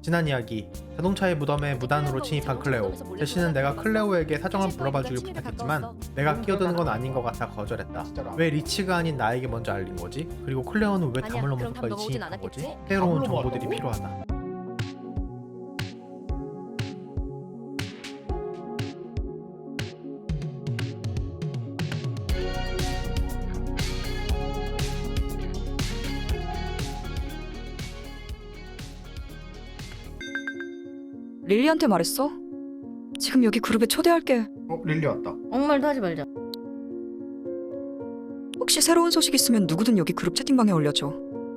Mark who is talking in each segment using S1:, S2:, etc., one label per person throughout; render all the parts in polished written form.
S1: 지난 이야기, 자동차의 무덤에 무단으로 침입한 클레오. 제시는 내가 클레오에게 사정을 물어봐주길 부탁했지만 내가 끼어드는 건 아닌 것 같아 거절했다. 왜 리치가 아닌 나에게 먼저 알린 거지? 그리고 클레오는 왜 담을 넘어서까지 침입한 거지? 새로운 정보들이 필요하다.
S2: 릴리한테 말했어? 지금 여기 그룹에 초대할게.
S1: 릴리 왔다.
S3: 아무 말도 하지 말자.
S2: 혹시 새로운 소식 있으면 누구든 여기 그룹 채팅방에 올려줘.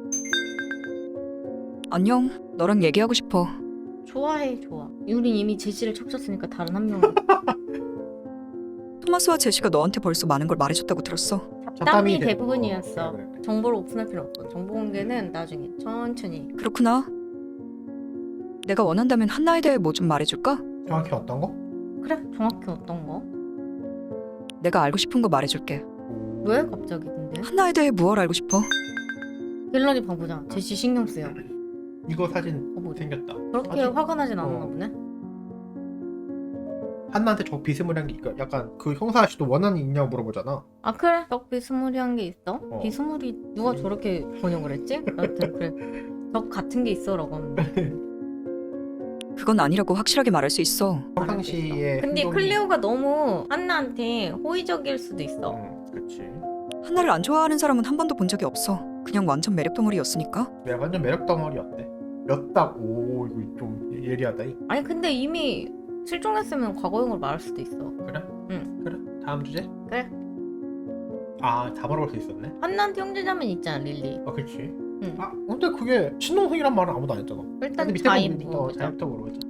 S2: 안녕, 너랑 얘기하고 싶어.
S3: 좋아해, 좋아. 우린 이미 제시를 척쳤으니까 다른 한 명은
S2: 토마스와 제시가 너한테 벌써 많은 걸 말해줬다고 들었어.
S3: 잡담이 대부분이었어.
S1: 그래.
S3: 정보를 오픈할 필요 없어. 정보 공개는 나중에 천천히.
S2: 그렇구나. 내가 원한다면 한나에 대해 뭐 좀 말해줄까?
S1: 정확히 어떤 거?
S3: 그래, 정확히 어떤 거?
S2: 내가 알고 싶은 거 말해줄게.
S3: 왜 갑자기 근데?
S2: 한나에 대해 무얼 알고 싶어?
S3: 갤러리 봐보자. 제시 신경 쓰여.
S1: 이거 사진
S3: 봐보자.
S1: 생겼다.
S3: 그렇게
S1: 아직-
S3: 화가 나진 않았나 보네.
S1: 한나한테 저 비스무리한 게 약간 그 형사 아저씨도 원한이 있냐고 물어보잖아.
S3: 아 그래? 적 비스무리한 게 있어?
S1: 어.
S3: 비스무리 누가 저렇게 번역을 했지? 여튼 그래. 적 같은 게 있어라고 하는데.
S2: 그건 아니라고 확실하게 말할 수 있어.
S1: 평상시에
S3: 근데
S1: 행동이-
S3: 클레오가 너무 한나한테 호의적일 수도 있어.
S1: 그렇지.
S2: 한나를 안 좋아하는 사람은 한 번도 본 적이 없어. 그냥 완전 매력 덩어리였으니까.
S1: 내가 완전 매력 덩어리였대. 였다고. 이거 좀 예리하다.
S3: 아니 근데 이미 실종했으면 과거형으로 말할 수도 있어.
S1: 그래?
S3: 응.
S1: 그래? 다음 주제?
S3: 그래.
S1: 아, 다 물어볼 수 있었네.
S3: 한나한테 형제자매 있잖아, 릴리.
S1: 아, 그렇지.
S3: 응.
S1: 아, 근데 그게 친동생이란 말은 아무도 안 했잖아.
S3: 일단
S1: 근데 밑에
S3: 자인
S1: 부분
S3: 물어보자.
S1: 자인부터 물어보자.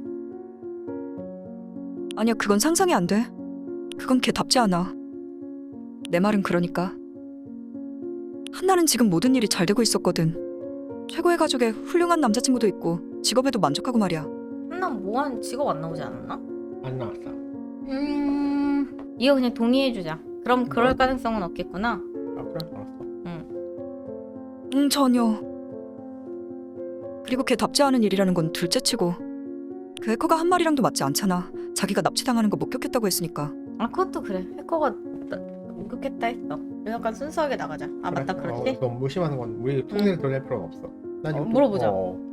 S2: 아니야, 그건 상상이 안 돼. 그건 걔답지 않아. 내 말은 그러니까. 한나는 지금 모든 일이 잘 되고 있었거든. 최고의 가족에 훌륭한 남자친구도 있고 직업에도 만족하고 말이야.
S3: 한나 뭐한 직업 안 나오지 않았나?
S1: 안 나왔어.
S3: 이거 그냥 동의해주자. 그럼 그럴 가능성은 없겠구나.
S1: 아, 그래? 알았어.
S2: 전혀. 그리고 걔답지 않은 일이라는 건 둘째치고 그 해커가 한 말이랑도 맞지 않잖아. 자기가 납치당하는 거 목격했다고 했으니까.
S3: 아 그것도 그래. 해커가 목격했다 했어. 약간 순수하게 나가자. 아
S1: 그래?
S3: 맞다 그렇지?
S1: 너무 무심하는 건 우리 통일을 드러낼 필요는 없어. 난 이것도-
S3: 물어보자.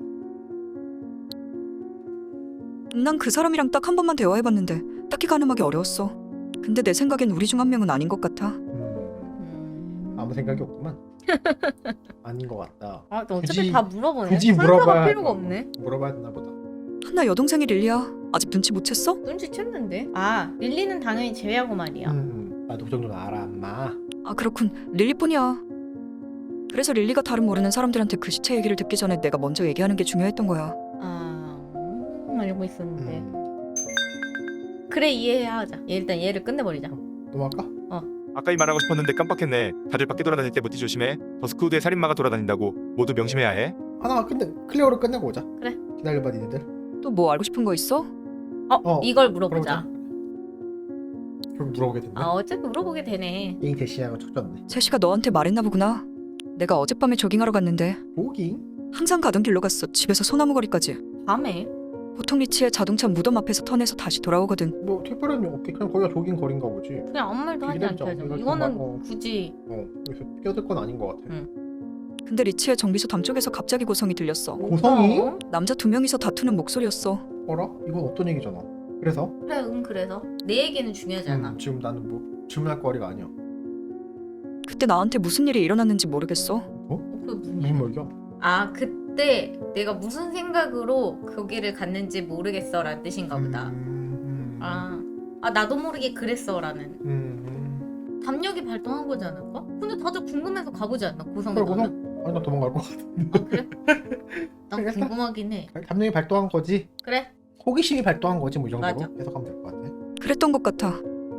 S2: 난 그 사람이랑 딱 한 번만 대화해봤는데 딱히 가늠하기 어려웠어. 근데 내 생각엔 우리 중 한 명은 아닌 것 같아.
S1: 아무 생각이 없구만. 아닌 것 같다.
S3: 아 어차피
S1: 굳이-
S3: 다 물어보네.
S1: 굳이
S3: 설명할
S1: 물어봐야
S3: 필요가 없네.
S1: 물어봐야 되나 보다.
S2: 한나 여동생이 릴리야. 아직 눈치 못 챘어?
S3: 눈치챘는데. 아 릴리는 당연히 제외하고 말이야.
S1: 나도 그 정도는 알아, 엄마.
S2: 아 그렇군. 릴리뿐이야. 그래서 릴리가 다른 모르는 사람들한테 그 시체 얘기를 듣기 전에 내가 먼저 얘기하는 게 중요했던 거야.
S3: 아 알고 있었는데.
S1: 음.
S3: 그래 이해하자. 일단 얘를 끝내버리자.
S1: 넘어갈까?
S4: 아까 이 말하고 싶었는데 깜빡했네. 다들 밖에 돌아다닐 때 모티 조심해. 더스크우드에 살인마가 돌아다닌다고 모두 명심해야 해.
S1: 하나 끝내. 클레오를 끝내고 오자.
S3: 그래.
S1: 기다려봐, 니네들.
S2: 또 뭐 알고 싶은 거 있어?
S3: 이걸 물어보자.
S1: 그럼 물어보게 됐네.
S3: 아 어차피 물어보게 되네.
S1: 이 대시하고 척졌네.
S2: 제시가 너한테 말했나 보구나. 내가 어젯밤에 조깅하러 갔는데
S1: 조깅?
S2: 항상 가던 길로 갔어. 집에서 소나무 거리까지.
S3: 밤에?
S2: 보통 리치의 자동차 무덤 앞에서 턴해서 다시 돌아오거든.
S1: 뭐 특별한 일 없게 그냥 거기가 조깅 거리인가 보지.
S3: 그냥 아무 말도 하지
S1: 기다리자.
S3: 않게 하자.
S1: 이거
S3: 이거는
S1: 정말,
S3: 굳이
S1: 그래서 끼어들 건 아닌 것 같아.
S2: 근데 리치의 정비소 담 쪽에서 갑자기 고성이 들렸어.
S1: 고성이?
S3: 어?
S2: 남자 2명이서 다투는 목소리였어.
S1: 어라? 이건 어떤 얘기잖아. 그래서?
S3: 그래 그래서 내 얘기는 중요하지 않아.
S1: 지금 나는 뭐 질문할 거리가 아니야.
S2: 그때 나한테 무슨 일이 일어났는지 모르겠어.
S3: 그게 무슨
S1: 무슨 말이야?
S3: 아 그때 내가 무슨 생각으로 거기를 갔는지 모르겠어 라는 뜻인가 보다. 아 나도 모르게 그랬어 라는 담력이 발동한 거지 않을까? 근데 다들 궁금해서 가보지 않나? 고성에
S1: 그래,
S3: 너는?
S1: 아니 나 도망갈 것 같아.
S3: 아 그래? 난
S1: 그래서?
S3: 궁금하긴 해.
S1: 담력이 발동한 거지.
S3: 그래?
S1: 호기심이 발동한 거지 뭐 이 정도로
S3: 맞아.
S1: 해석하면 될 것 같아.
S2: 그랬던 것 같아.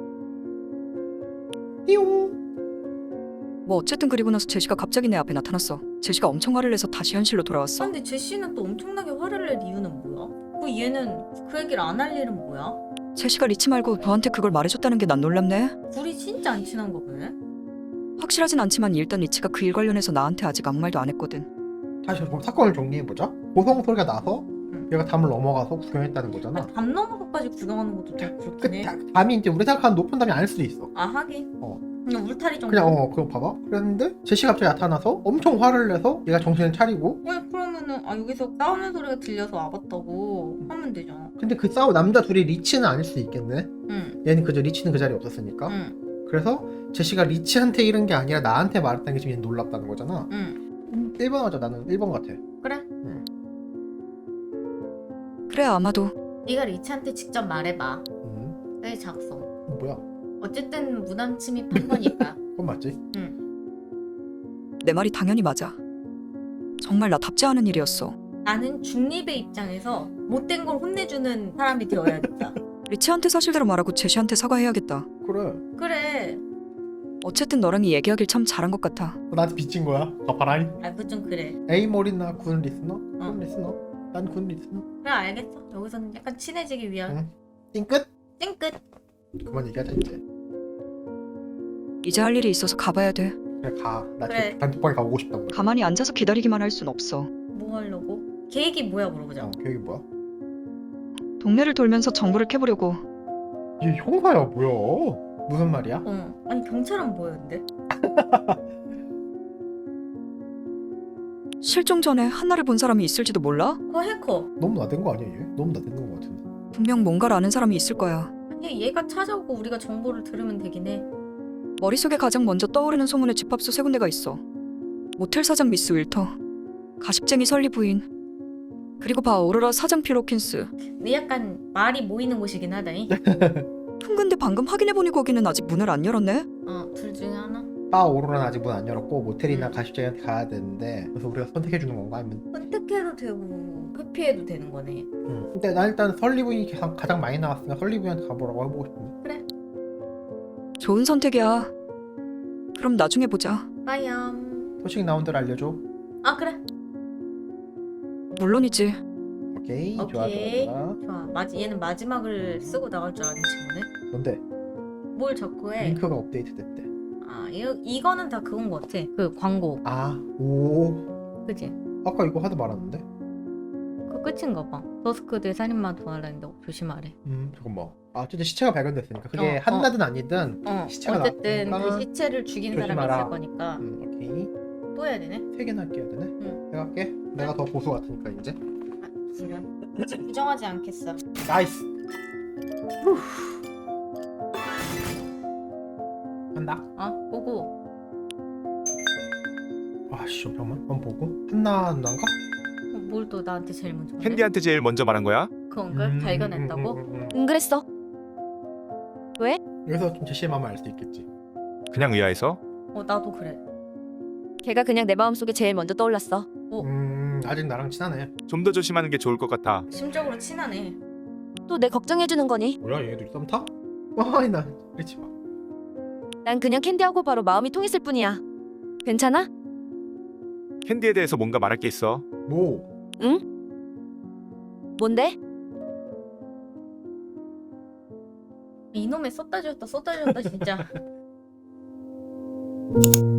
S1: 띠용.
S2: 뭐 어쨌든 그리고 나서 제시가 갑자기 내 앞에 나타났어. 제시가 엄청 화를 내서 다시 현실로 돌아왔어.
S3: 근데 제시는 또 엄청나게 화를 낼 이유는 뭐야? 그 얘는 그 얘기를 안 할 일은 뭐야?
S2: 제시가 리치 말고 너한테 그걸 말해줬다는 게 난 놀랍네.
S3: 둘이 진짜 안 친한 거 보네?
S2: 확실하진 않지만 일단 리치가 그 일 관련해서 나한테 아직 아무 말도 안 했거든.
S1: 다시 사건을 정리해보자. 고성 소리가 나서 얘가 담을 넘어가서 구경했다는 거잖아.
S3: 담 넘어서까지 구경하는 것도 좀
S1: 그
S3: 그렇긴 해.
S1: 담이 이제 우리 생각하는 높은 담이 아닐 수도 있어.
S3: 아 하긴.
S1: 어.
S3: 그냥 울타리 정도.
S1: 그냥 그거 봐봐. 그랬는데 제시가 갑자기 나타나서 엄청 화를 내서 얘가 정신을 차리고.
S3: 왜 그러면은 여기서 싸우는 소리가 들려서 와봤다고 하면 되잖아.
S1: 근데 그 남자 둘이 리치는 아닐 수도 있겠네.
S3: 응.
S1: 얘는 리치는 그 자리에 없었으니까.
S3: 응.
S1: 그래서 제시가 리치한테 이런 게 아니라 나한테 말했다는 게 지금 얘는 놀랍다는 거잖아.
S3: 응.
S1: 1번 하자. 나는 1번 같아.
S3: 그래.
S2: 그래 아마도.
S3: 네가 리치한테 직접 말해봐.
S1: 음.
S3: 내 작성.
S1: 뭐야?
S3: 어쨌든 무단 침입한 거니까.
S1: 그건 맞지?
S2: 내 말이 당연히 맞아. 정말 나답지 않은 일이었어.
S3: 나는 중립의 입장에서 못된 걸 혼내주는 사람이 되어야겠다.
S2: 리치한테 사실대로 말하고 제시한테 사과해야겠다.
S1: 그래.
S3: 그래.
S2: 어쨌든 너랑 이 얘기하길 참 잘한 것 같아.
S1: 나한테 빚진 거야. 갚아라.
S3: 그거 좀 그래.
S1: A 몰이나 군 리스너? 군 리스너? 난 군 리스너.
S3: 그래 알겠어. 여기서는 약간 친해지기 위한.
S1: 응. 띵끝?
S3: 찡끝.
S1: 그만 얘기하자 이제.
S2: 이제 할 일이 있어서 가봐야 돼.
S1: 그래 가. 나
S3: 그래.
S1: 지금 단톡방에 가보고 싶단 말이야.
S2: 가만히 앉아서 기다리기만 할 순 없어.
S3: 뭐 하려고? 계획이 뭐야 물어보자.
S1: 계획이 뭐야?
S2: 동네를 돌면서 정보를 캐보려고.
S1: 얘 형사야 뭐야? 무슨 말이야?
S3: 아니 경찰은 뭐였는데?
S2: 실종 전에 한나를 본 사람이 있을지도 몰라?
S3: 그거 해커.
S1: 너무 나댄 거 아니야 얘? 너무 나댄 거 같은데.
S2: 분명 뭔가를 아는 사람이 있을 거야.
S3: 아니 얘가 찾아오고 우리가 정보를 들으면 되긴 해.
S2: 머릿속에 가장 먼저 떠오르는 소문의 집합소 세 군데가 있어. 모텔 사장 미스 윌터, 가십쟁이 설리 부인, 그리고 바 오로라 사장 피로킨스.
S3: 근데 약간 말이 모이는 곳이긴 하다잉.
S2: 근데 방금 확인해보니 거기는 아직 문을 안 열었네?
S3: 둘 중에 하나?
S1: 바 오로라는 아직 문 안 열었고 모텔이나 가십자기한테 가야 되는데 그래서 우리가 선택해 주는 건가 아니면?
S3: 선택해도 되고 회피해도 되는 거네.
S1: 근데 난 일단 설리부인이 가장 많이 나왔으니까 설리부인한테 가보라고 해보고 싶은데.
S2: 좋은 선택이야. 그럼 나중에 보자.
S3: 빠염.
S1: 소식 나온 대로 알려줘.
S3: 그래.
S2: 물론이지.
S1: 오케이.
S3: 오케이.
S1: 좋아.
S3: 좋아. 얘는 마지막을 쓰고 나갈 줄 아는 친구네.
S1: 뭔데?
S3: 뭘 자꾸 해?
S1: 링크가 업데이트 됐대.
S3: 이거는 다 그건 것 같아. 그 광고.
S1: 오.
S3: 그치?
S1: 아까 이거 하도 말았는데?
S3: 그 끝인가 봐. 더스크드의 살인마 도와라는데 조심하래.
S1: 잠깐만. 어쨌든 시체가 발견됐으니까 그게 한나든 아니든 시체가
S3: 어쨌든
S1: 나왔으니까
S3: 그 시체를 죽인 사람이
S1: 조심하라.
S3: 있을 거니까
S1: 오케이.
S3: 또 해야 되네.
S1: 3개나 끼워야 되네. 내가 할게. 내가 더 고수 같으니까 이제.
S3: 지금 부정하지 않겠어.
S1: 나이스. 한다.
S3: 보고.
S1: 아씨 잠깐만. 한번 보고. 한나 누나인가?
S3: 뭘 또 나한테 제일 먼저 말해?
S4: 캔디한테 제일 먼저 말한 거야?
S3: 그건가? 발견했다고?
S2: 응 그랬어.
S1: 여기서 좀 제시의 마음을 알 수 있겠지.
S4: 그냥 의아해서?
S3: 나도 그래.
S5: 걔가 그냥 내 마음속에 제일 먼저 떠올랐어.
S1: 아직 나랑 친하네.
S4: 좀 더 조심하는 게 좋을 것 같아.
S3: 심적으로 친하네.
S5: 또 내 걱정해주는 거니?
S1: 뭐야 얘네들이 썸 타? 아니 나 그렇지 마.
S5: 난 그냥 캔디하고 바로 마음이 통했을 뿐이야. 괜찮아?
S4: 캔디에 대해서 뭔가 말할 게 있어.
S1: 뭐?
S5: 뭔데?
S3: 이놈의 쏟다 주었다 진짜.